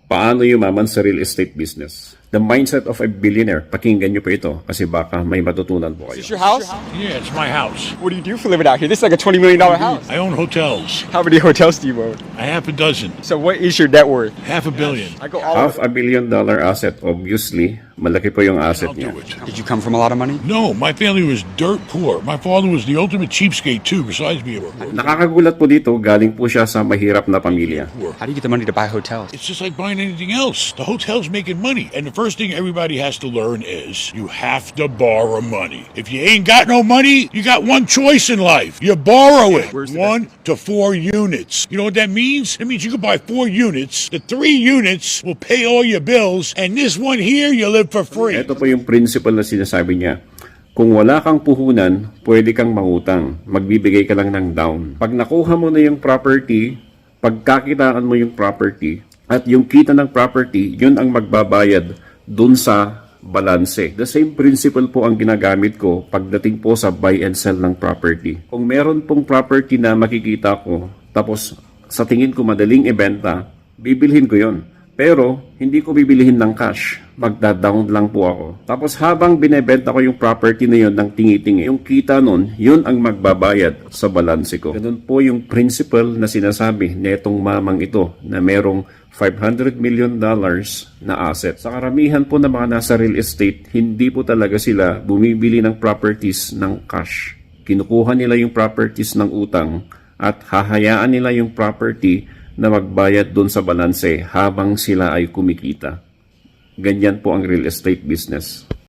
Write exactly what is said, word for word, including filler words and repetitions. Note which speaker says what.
Speaker 1: Paano yumaman sa real estate business? The mindset of a billionaire. Pakinggan nyo po ito kasi baka may matutunan po kayo.
Speaker 2: Is this your house?
Speaker 3: Yeah, it's my house.
Speaker 2: What do you do for a living out here? This is like a twenty million dollar house.
Speaker 3: I own hotels.
Speaker 2: How many hotels do you own?
Speaker 3: A half a dozen.
Speaker 2: So what is your net worth?
Speaker 3: Half a billion.
Speaker 2: I go all
Speaker 1: Half a billion dollar asset, obviously. Malaki po yung asset
Speaker 3: I'll
Speaker 1: niya.
Speaker 3: do it.
Speaker 2: Did you come from a lot of money?
Speaker 3: No, my family was dirt poor. My father was the ultimate cheapskate too, besides being a
Speaker 1: Nakakagulat po dito, galing po siya sa mahirap na pamilya.
Speaker 3: poor.
Speaker 2: How do you get the money to buy hotels?
Speaker 3: It's just like buying anything else. The hotel's making money. And the first thing everybody has to learn is you have to borrow money. If you ain't got no money, you got one choice in life. You borrow it.
Speaker 2: Where's the
Speaker 3: One to four units. You know what that means? It means you can buy four units. The three units will pay all your bills. And this one here, you live for free.
Speaker 1: Ito po yung principle na sinasabi niya. Kung wala kang puhunan, pwede kang mangutang. Magbibigay ka lang ng down. Pag nakuha mo na yung property, pagkakitaan mo yung property, at yung kita ng property, yun ang magbabayad dun sa balanse. The same principle po ang ginagamit ko pagdating po sa buy and sell ng property. Kung meron pong property na makikita ko, tapos sa tingin ko madaling ibenta, bibilhin ko yon. Pero hindi ko bibilihin ng cash. Magda-down lang po ako. Tapos habang binebenta ko yung property na yon ng tingi-tingi, yung kita nun, yun ang magbabayad sa balanse ko. Ganun po yung principle na sinasabi netong mamang ito na merong five hundred million dollars na asset. Sa karamihan po ng mga nasa real estate, hindi po talaga sila bumibili ng properties ng cash. Kinukuha nila yung properties ng utang at hahayaan nila yung property na magbayad doon sa balanse habang sila ay kumikita. Ganyan po ang real estate business.